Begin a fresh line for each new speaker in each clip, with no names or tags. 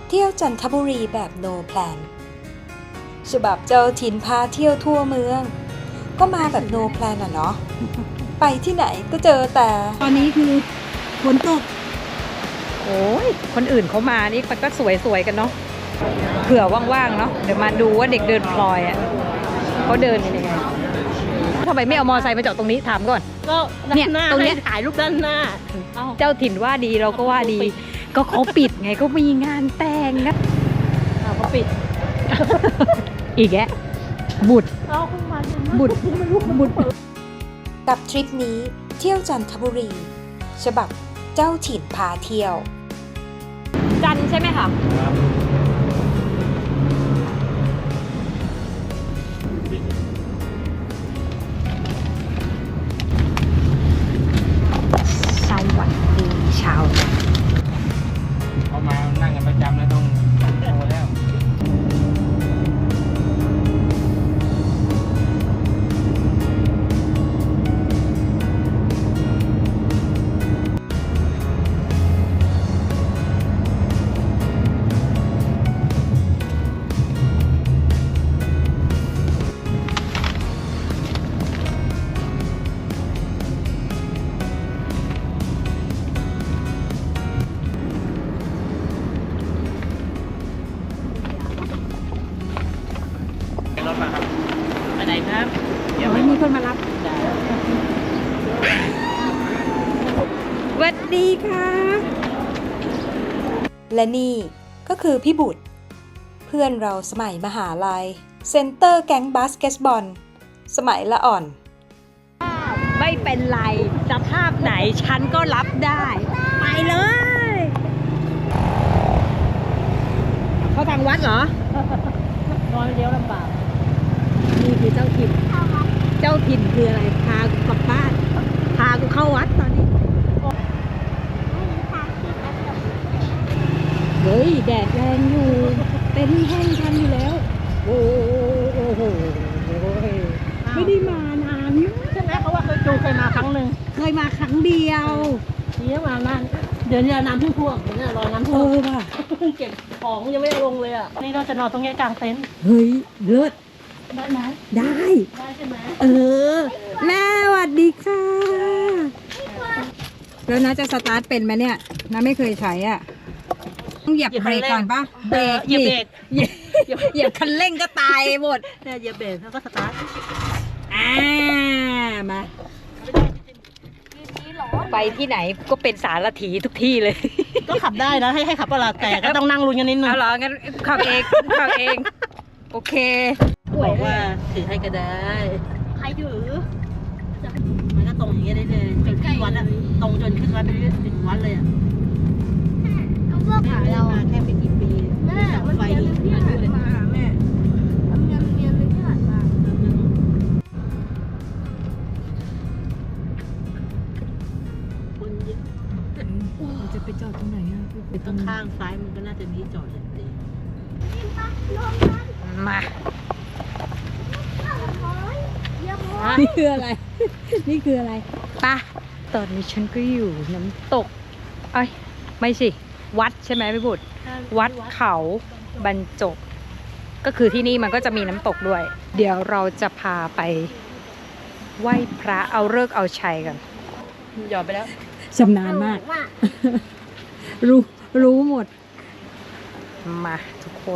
เที่ยวจันทบุรีแบบ no plan ฉบับเจ้าถิ่นพาเที่ยวทั่วเมือง ก็มาแบบ no plan อ่ะเนาะ ไปที่ไหนก็เจอแต่
ตอนนี้คือฝนตก
โอ้ยคนอื่นเขามานี่มันก็สวยๆกันเนาะเผื่อว่างๆเนาะเดี๋ยวมาดูว่าเด็กเดินพลอยอ่ะเขาเดินกันยังไงทำไมไม่เอามอไซค์มาจอดตรงนี้ถามก่อน
ก็ด้านหน้า
ตรงเนี้ย
ให้ถ่ายรูปด้านหน้า
เจ้าถิ่นว่าดีเราก็ว่าดี ก็เขาปิดไงก็มีงานแต่งนะ
เขาปิด
อีกแกบุตร
เอาขึ้นมา
บุตรบุตร
กับทริปนี้เที่ยวจันทบุรี ฉบับเจ้าถิ่นพาเที่ยว
จันใช่ไหมคะสวัสดีชาวจันทร์
เขามานั่งกันประจำแล้วต้องโตแล้ว รถมาครับ
ไปไหนครับ
เดี๋ยวมีคนมารับสวัสดีค่ะ
และนี่ก็คือพี่บุตร เพื่อนเราสมัยมหาลัย เซนเตอร์แก๊งบาสเกตบอล สมัยละอ่อน
ไม่เป็นไรสภาพไหนฉันก็รับได้ ไปเลยเขาทางวัดเหรอ
นอนเลี้ยวลำบาก
นี่คือเจ้าถิ่น เจ้าถิ่นคืออะไร พากูกลับบ้าน พากูเข้าวัดตอนนี้ เฮ้ย แดดแรงอยู่ เต็นท์แห้งทันอยู่แล้ว โอ้โห ไม่ได้มานาน
ใช่ไหมเขาว่าเคยมาครั้งหนึ่ง
เคยมาครั้งเดียว
ทีนี้มานานเดี๋ยวนี้น้ำท่วมเดี๋ยวนี้รอน้ำ
เอ
ท่วม
อว่ะ
เพิ่งเก็บของยังไม่ได้ลงเลยอ่ะนี่เราจะนอนตรงนี้กลางเต็นท์
เฮ้ย เลิศ
ได้ไหม
ได้
ได้ใช่ไหม
เออ แม่สวัสดีค่ะ แล้วนะจะสตาร์ทเป็นไหมเนี่ยนะไม่เคยใช้อ่ะต้องเหยียบเบรกก่อนปะเบรก
เหยียบเบรก
เหยียบคันเร่งก็ตายหมด
เนี่ยเหยียบเบรกแล้วก็สตาร์ท
มาไปที่ไหนก็เป็นสารถีทุกที่เลย
ก็ขับได้นะให้ขับประหลาดแต่ก็ต้องนั่งลุ้นกันนิดนึง
เอาเหรองั้นขับเองขับเอง โอเค
บอกว่าถือให้ก็ได้ใครถือมันก็ตรงอย่างเงี้ยได้เลยจนขึ้นวัดอะตรงจนขึ้นวัดไปถึงวัดเลยอะ
เขาเลือกหาเรา
มาแค่ไม่กี่ปี
แม่มัน
ไฟ
เรียนที่ผ่านมาแม่มันเรียนที่ผ่านมา
คนเยอะ
จะไปจอดตรงไหนอ่ะ
ตรงข้างซ้ายมันก็น่าจะมีจอดเลยดี
มา
ฮะ
นี่คืออะไร นี่คืออะไรป่ะตอนนี้ฉันก็อยู่น้ำตกเอ้ยไม่สิ วัดใช่ไหมพี่บุตร วัดเขาบรรจบ ก็คือที่นี่มันก็จะมีน้ำตกด้วย เดี๋ยวเราจะพาไปไหว้พระเอาฤกษ์เอาชัยกัน
หยอดไปแล้ว
ชำนาญมาก รู้หมด มาทุกคน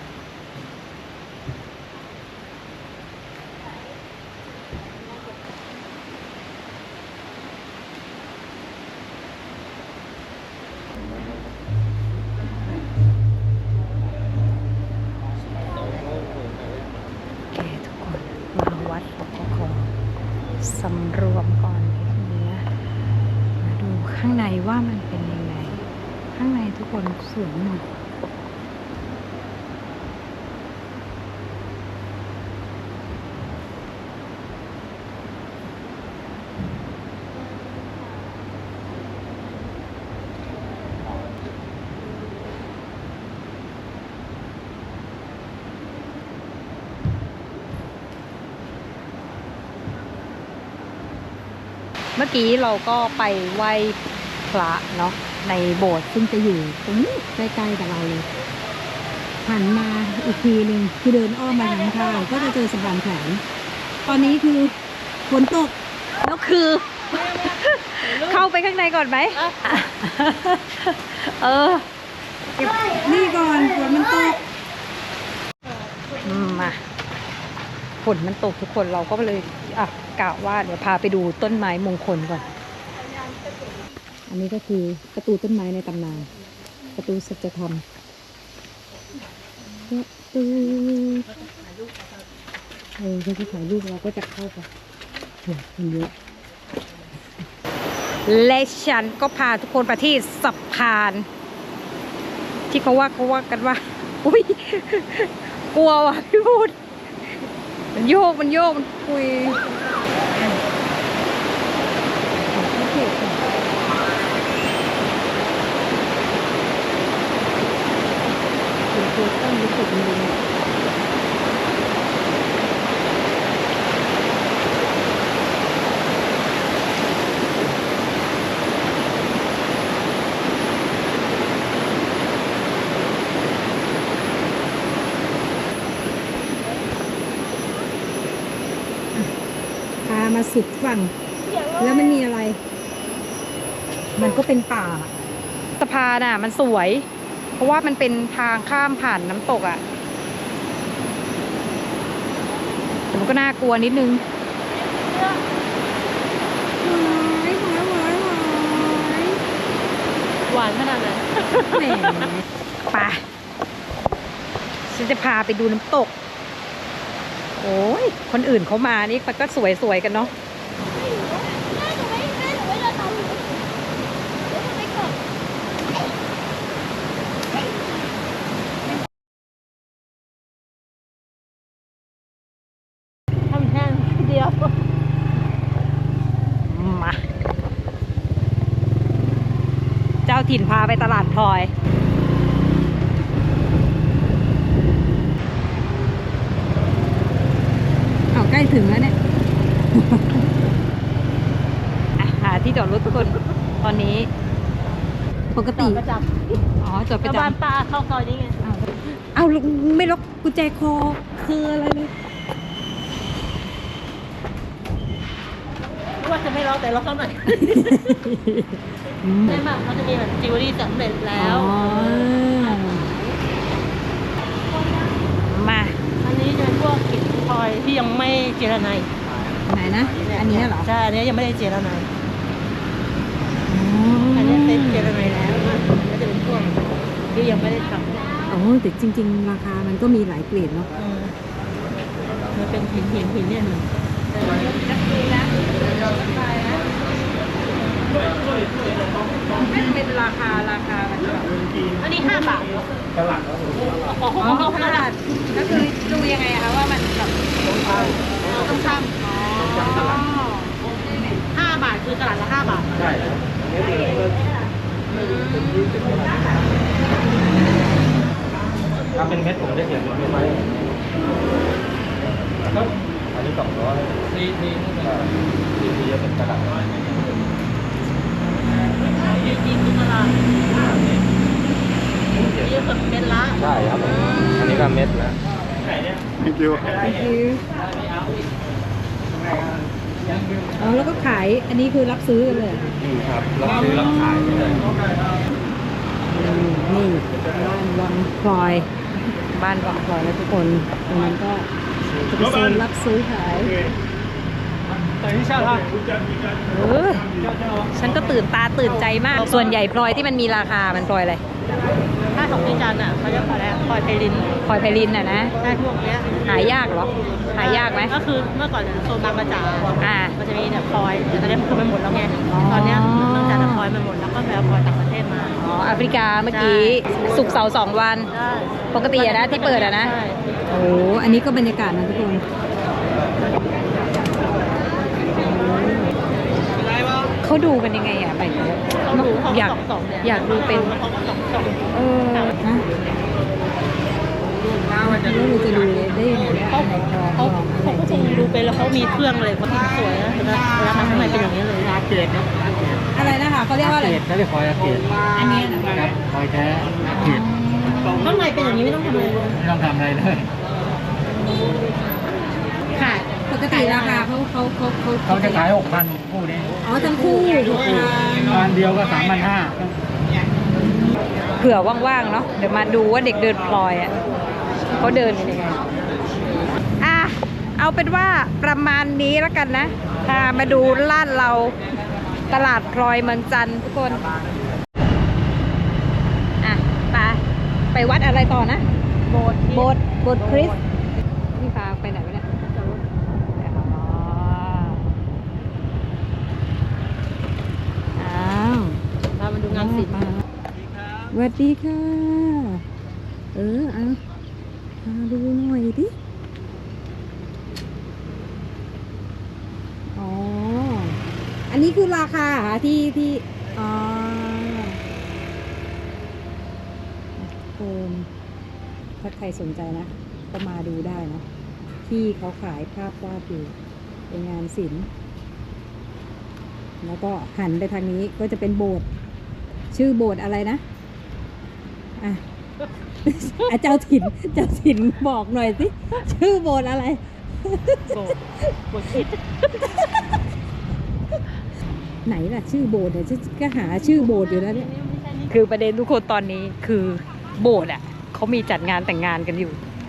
โอเคทุกคน มาวัดก็ขอสำรวมก่อนนิดนึงนะมาดูข้างในว่ามันเป็นยังไง ข้างในทุกคนสวยหมด เมื่อกี้เราก็ไปไหว้พระเนาะในโบสถ์ซึ่งจะอยู่ตรงนี้ใกล้ๆกับเราเลยหันมาอีกทีหนึ่งคือเดินอ้อมมาทางข้างก็จะเจอสะพานแขวนตอนนี้คือฝนตกแล้วคือ เข้าไปข้างในก่อนไหมเออเก็บนี่ก่อนฝนมันตกมาฝนมันตกทุกคนเราก็เลยกะว่าเดี๋ยวพาไปดูต้นไม้มงคลก่อนอันนี้ก็คือประตูต้นไม้ในตำนานประตูสัจธรรมประตูเขาจะถ่ายรูปเราก็จะเข้าไปโอ้คนเยอะและฉันก็พาทุกคนไปที่สะพาน ที่เขาว่ากันว่าอุ้ยกลัวว่ะพี่พูดมันโยกมันคุยต้องรู้สึกดีพามาสุดฝั่งแล้วมันมีอะไร มันก็เป็นป่าสะพานอ่ะมันสวยเพราะว่ามันเป็นทางข้ามผ่านน้ำตกอ่ะแต่มันก็น่ากลัวนิดนึง
หวานขนาดไหน
แหมไปฉันจะพาไปดูน้ำตกโอ้ยคนอื่นเขามานี่มันก็สวยๆกันเนาะ
ทำแห้งเดียว
มาเจ้าถิ่นพาไปตลาดพลอยเอาใกล้ถึงแล้วเนี่ย หาที่จอดรถทุกคนตอนนี้ปกติ
ประจ
อ๋อจอด
ำ
ประ
บ้าน
จำ
ป้าเข้าซอยนี้ไง
เอาไม่ล็อกกุญแจคอคืออะไรเลย
ไม่ว่าจะไม่ล็อกแต่ล็อกเข้าหน่อยไม่มากเขาจะมีแบบจิวเวลรี่สำเร็จแล้ว
มา
อันนี้จะเป็นพวกหินพลอยที่ยังไม่เจรไน
ไหนนะ อันนี้เหรอ
ใช่ อันนี้ยังไม่ได้เจรไนอันนี้เป็นเจรไนแล้วก็จะเป็นพวกที่ยังไม่ได้ทำ
โอ้แต่จริงๆราคามันก็มีหลายเกรดเนาะ
มันเป็นหินเนี่ยหนึ่ง
เป็นราคามันจะแบบ
อันนี้5 บาท
ตลาด
อ๋อขนาด
ก็คือดูยังไงอะคะว่ามันแบบ
ต้องทำ5 บาทคือตลาดละ5 บาท
ใช่ถ้าเป็นเม็ดผมจะเขียนเป็นไม้อันนี้200นี่จะเป็นกระดาษ
จริงๆคือตลาดเยอะสุดเป็นละ
ใช่ครับอันนี้ก็เม็ดนะ
อ๋อแล้วก็ขายอันนี้คือรับซื้อกันเลย
ครับรับซื้อรับขายเลย
นี่บ้านวังพลอยแล้วทุกคนตรงนั้นก็จะเป็นโซนรับซื้อขายฉันก็ตื่นตาตื่นใจมากส่วนใหญ่พลอยที่มันมีราคามันพลอยอะไร
ถ้าของดิจันเขาจะพลอยไพลิน
พลอยไพลินน่ะนะ
ได้พวกเนี้ย
หายากเหรอหายากไหม
ก็คือเมื่อก่อนโซนบางกระจา
อ่า
มันจะมีเนี่ยพลอยแต่ตอนนี้มันคือไปหมดแล้วไงตอนเนี้ยเนื่องจากพลอยมันหมดแล้วก็ไปเอาพลอยต่างประเทศมา
อ๋อแอฟริกาเมื่อกี้ศุกร์เสาร์2 วัน
ได้
ปกติอะนะที่เปิดอะนะ
ใช่
โอ้อันนี้ก็บรรยากาศนะทุกคนเขาดูกันยังไงอะไป
เขาดูเขา
อยาก
สองเนี่ย
อยากดูเป็น
เขาก็สอง
นะแล้วเราจะดูได้ยังไงเนี่ย
เขาก็คงดูเป็นแล้วเขามีเครื่องอะไรเขาสวยนะเวลาทำข้างในเป็นอย่างนี้เลย
อาเกตนะ
อะไรนะคะเขาเรียกว่าอะไร
เกตเขาเรียกคอยอาเกต
อันนี้นะครับ
คอยแท้อาเกต
ข้างในเป็นอย่างอย่างนี้ไม่ต้องทำอะไรเลย
ไม่ต้องทำอะไรเลย
ค่ะปกติราคาเขา
จะขาย 6,000 คู่นี้
อ๋อทั้งคู่
งานเดียวก็3,500
เผื่อว่างๆเนาะเดี๋ยวมาดูว่าเด็กเดินพลอยอ่ะเขาเดินกันยังไงอ่ะเอาเป็นว่าประมาณนี้แล้วกันนะพามาดูลาดเราตลาดพลอยเมืองจันทร์ทุกคนอ่ะไปวัดอะไรต่อนะโบสถ์คริสต์นี่พาไปไหนวะเนี่ยอ้าว
พามาดูงานศิลป์
สวัสดีค่ะ เอาพาดูหน่อยดิ อ๋อ อันนี้คือราคาเหรอที่อ๋อโอมถ้าใครสนใจนะ ก็มาดูได้นะ ที่เขาขายภาพวาดอยู่เป็นงานศิลป์ แล้วก็หันไปทางนี้ก็จะเป็นโบสถ์ชื่อโบสถ์อะไรนะ อ่ะ เจ้าถิ่นบอกหน่อยสิ ชื่อโบสถ์อะไร
โบสถ์คิด
ไหนล่ะ ชื่อโบสถ์เนี่ยก็หาชื่อโบสถ์อยู่แล้วเนี่ย คือประเด็นทุกคนตอนนี้คือโบสถ์อ่ะเขามีจัดงานแต่งงานกันอยู่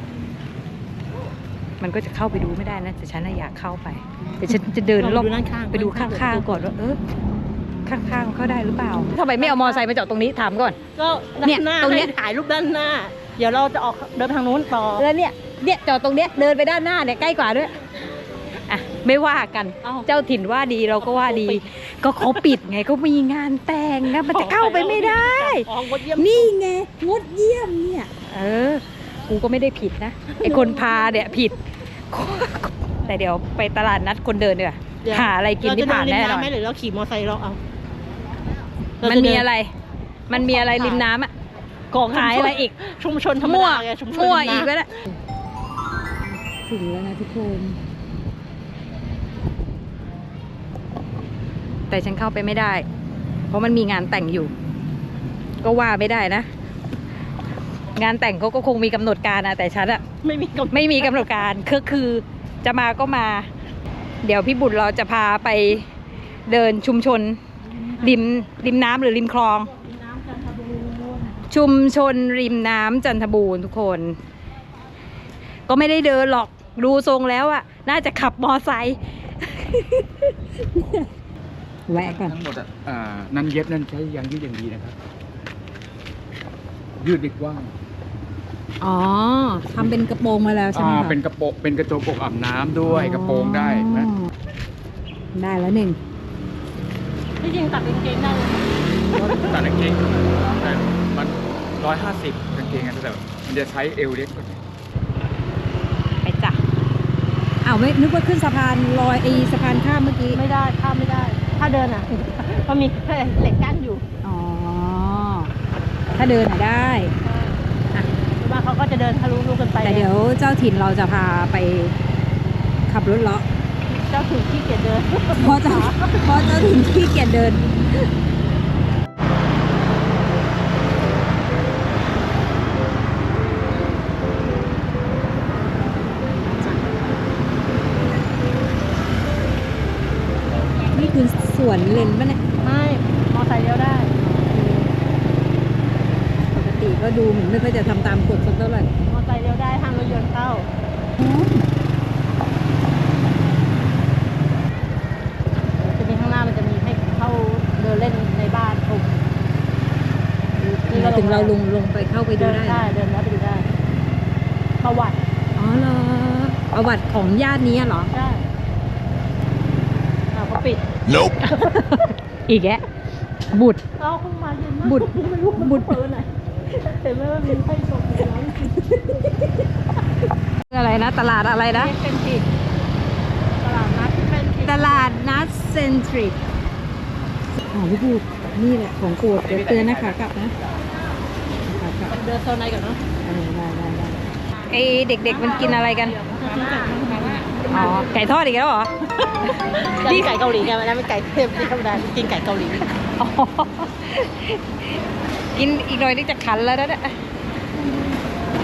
มันก็จะเข้าไปดูไม่ได้นะแต่ฉันน่ะอยากเข้าไปแต่ฉันจะเดินรอบไปดูข้างๆก่อนว่าข้างๆเข้าได้หรือเปล่าทำไมไม่เอามอไซค์มาจอดตรงนี้ถามก่อน
ก็
เนี่ย
ด้านหน้า
ตรงเนี้ย
ให้ถ่ายรูปด้านหน้า เดี๋ยวเราจะออกเดินทางนู้นต่อ
แล้วเนี่ยจอดตรงเนี้ยเดินไปด้านหน้าเนี่ยใกล้กว่าด้วยอ่ะไม่ว่ากัน
เอ้า
เจ้าถิ่นว่าดีเราก็ว่าดี ก็เขาปิดไงก็มีงานแต่งนะมันจะเข้าไปไม่ได้
อ๋องดเยี่ยม
นี่ไงงดเยี่ยมเนี่ยกูก็ไม่ได้ผิดนะไอคนพาเนี่ยผิด แต่เดี๋ยวไปตลาดนัดคนเดินดีกว่า
เดี๋ยว
หาอะไรกินที่ผ่านแน่นอน
เราจะเดิริมำไหมหรือเราขี่มอเตอร์ไซค์เราเอา
มันมีอะไรริมน้ำอ่ะของขายอะไรอีก
ชุมชนธรรม
มั่ว
ดาไงชุมชน
มั่ว
ริมน้ำ
อีกแล้วแหละถึงแล้วนะทุกคน แต่ฉันเข้าไปไม่ได้ เพราะมันมีงานแต่งอยู่ ก็ว่าไม่ได้นะ งานแต่งเขาก็คงมีกำหนดการนะแต่ฉันอะ
ไม่มีกฎ
ไม่มีกำหนดการคือจะมาก็มา เดี๋ยวพี่บุตรเราจะพาไปเดินชุมชนริมน้ำหรือริมคลอง ชุมชนริมน้ำจันทบูรณ์ทุกคน ก็ไม่ได้เดินหรอกดูทรงแล้วอะน่าจะขับมอไซค์ แวะก่อน
ทั้งหมดนั้นเย็บนั้นใช้ยางยืดอย่างดีนะครับ ยืดดีกว้าง
อ๋อทำเป็นกระโปรงมาแล้วใช่ไหมคะ
เป็นกระโปรงเป็นกระโจมอกอาบน้ำด้วยกระโปรงได้นะ
ได้แล้วหนึ่ง
ที่จริงตัดกางเกงได้เลย
ตัดกางเกงแต่มัน150กางเกงแต่มันจะใช้เอวเล็กกว่า
ไปจ้ะอ้าวไม่นึกว่าขึ้นสะพานลอยสะพานข้ามเมื่อกี้
ไม่ได้ข้ามไม่ได้ ถ้าเดินอ่ะ ก็มีเหล็กกั้นอยู่
อ๋อ ถ้าเดินอ่ะได้
ว่าเขาก็จะเดินทะลุลูกกันไป
แต่เดี๋ยวเจ้าถิ่นเราจะพาไปขับรถเลาะ
เจ้าถึงที่เกียจเดิน
เพราะเจ้าถิ่นขี้เกียจเดิน นี่คือสวนเลนป่ะเนี่ย
ไม่มอไซค์เลี้ยวได้
ปกติก็ดูเหมือนไม่ค่อยจะทำตามกฎสักเท่าไหร่
มอไซค์เลี้ยวได้ห้ามรถยนต์เข้าจะมีข้างหน้ามันจะมีให้เข้าเดินเล่นในบ้านถูก
ถึงเราลงไปเข้าไปดู
เดิน
ได้
ได้เดินแล้วไปดูได้ ประวัติ
อ๋อเหรอประวัติของญาตินี้เหรอ
ได้เขาปิด
อีกแกบุตร
เอาเข้ามาเย็นมาก
บุตร
ไม่รู้มัน
บุตร
เปิดไหนเห็นไหมว่ามีไฟส่งอยู่แล้ว
อะไรนะ ตลาดอะไรนะ
เป็นผิดตลาดนัดเป็นผิด
ตลาดนัดเซนทริกอ๋อพี่พูดนี่แหละของโปรดเดี๋ยวเตือนนะขากลับนะขากลับ
เดินโซนไหนก่อนเนาะ
ได้ไอเด็กๆมันกินอะไรกัน อ๋อ ไก่ทอดอีกแล้วเหรอ
นี่ไก่เกาหลีไงมันเป็นไก่เทพที่ธรรมดากินไก่เกาหลี
อ๋อกินอีกหน่อยนี่จะขันแล้วนะเนี่ย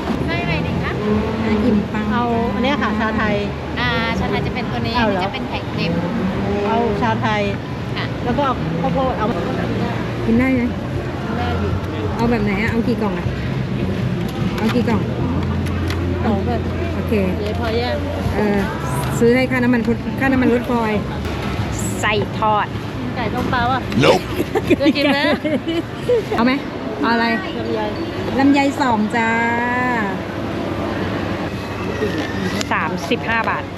อิ่มปัง
เอาอันเนี้ยค่ะชาไทย
ชาไทยจะเป็นตัวนี้
เอา
อัน
เหรอ
นี้จะเป็นไข่เค็ม
เอาชาไทย
ค่ะ
แล้วก็เอาข้าวโพดเอา
กินได้ไหม
ได้อยู่
เอาแบบไหนอะเอากี่กล่องอะเอากี่กล่อง
สองแบบ
โอเค
เดี๋ยวพอแยก
ซื้อให้ค่าน้ำมันรถฟอยใส่ทอด
ไก่ต้มเปล่าอ่ะจะกินไหม
เอาไหมเอาอะไร
ลำไย
ลำไย2จ้า35 บาท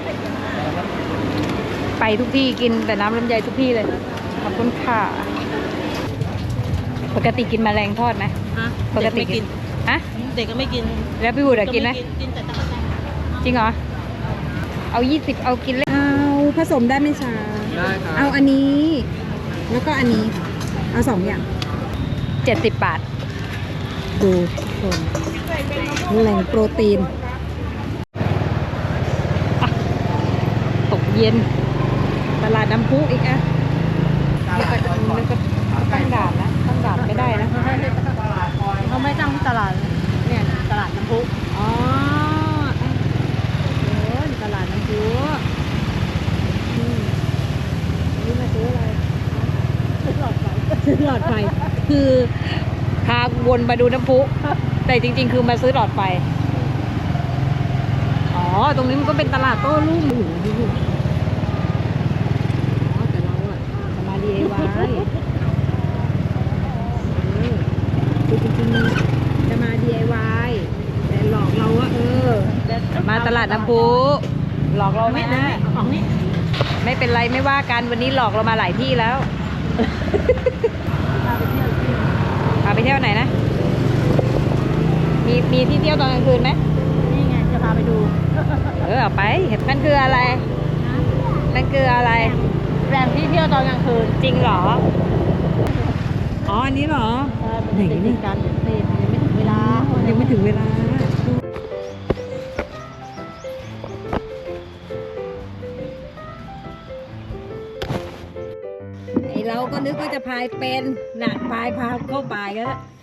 ไปทุกที่กินแต่น้ำลำไยทุกที่เลย ขอบคุณค่ะ ปกติกินแมลงทอดไหม
ฮะ
ปกติ
เด็ไม่กิน
ฮะ
เด็กก็ไม่กิน
แล้วพี่บุตรอะกินไหม
กินแต่ตะกั่วแตน
จริงเหรอ เอา20เอากินเลยเอาผสมได้ไหมชา
ได้ครับ
เอาอันนี้ แล้วก็อันนี้ เอา2 อย่าง 70 บาท ดูคนแหล่งโปรตีนอ่ะตกเย็น ตลาดน้ำพุอีกอ่ะนี่ก็ตั้งด่านนะตั้งด่านไม่ได้นะ
เขาไม่ตั้งที่ตลาดเนี่ยตลาดน้ำพุ
อ๋อโอ้ยตลาดน้ำพุนี่มาซื้ออะไร
ซื้อหลอดไฟ
ซื้อหลอดไฟ คือพาวนมาดูน้ำพุ แต่จริงๆ คือมาซื้อหลอดไฟ อ๋อ ตรงนี้มันก็เป็นตลาดโต้รุ่งอยู่อ๋อ แต่เราอะจะมา DIY คือจริงๆจะมา DIY แต่หลอกเราว่ามาตลาดน้ำพุหลอกเราไม่ได้
ของนี่
ไม่เป็นไรไม่ว่ากันวันนี้หลอกเรามาหลายที่แล้ว พาไปเที่ยวไหนนะ มีที่เที่ยวตอนกลางคืนไหม
นี่ไงจะพาไปดู
เอาไปนั่นคืออะไรนั่นคืออะไร
แหล่งที่เที่ยวตอนกลางคืน
จริงเหรอ อ๋ออันนี้เหรอ ไหนนี่
กันนี่ยังไม่ถึงเวลา
ยังไม่ถึงเวลาไอเราก็นึกว่าจะพายเป็นหนักพายพาเข้าป่ายกันแล้ว